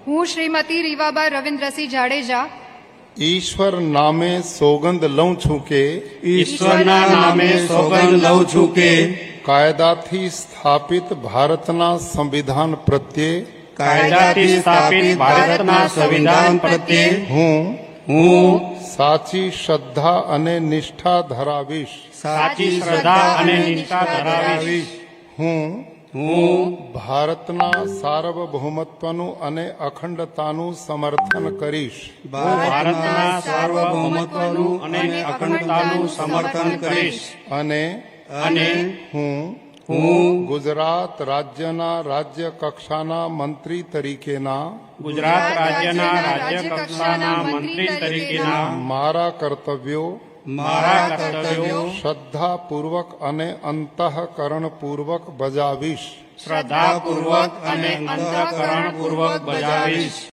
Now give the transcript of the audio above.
હું શ્રીમતી રીવાબા રવિન્દ્રસિંહ જાડેજા ઈશ્વર નામે સોગંદ લઉં છું કે ઈશ્વરના નામે સોગંદ લઉં છું કે કાયદાથી સ્થાપિત ભારતના સંવિધાન પ્રત્યે કાયદાથી સ્થાપિત ભારતના સંવિધાન પ્રત્યે હું સાચી શ્રદ્ધા અને નિષ્ઠા ધરાવીશ. સાચી શ્રદ્ધા અને નિષ્ઠા ધરાવીશ. હું હું ભારતના સાર્વભૌમત્વનું અને અખંડતાનું સમર્થન કરીશ. ભારતના સાર્વભૌમત્વનું અને અખંડતાનું સમર્થન કરીશ. અને હું ગુજરાત રાજ્યના રાજ્ય કક્ષાના મંત્રી તરીકેના ગુજરાત રાજ્યના રાજ્ય કક્ષાના મંત્રી તરીકેના મારા કર્તવ્યો શ્રદ્ધાપૂર્વક અને અંતઃકરણપૂર્વક બજાવીશ. શ્રદ્ધાપૂર્વક અને અંતઃકરણપૂર્વક બજાવીશ.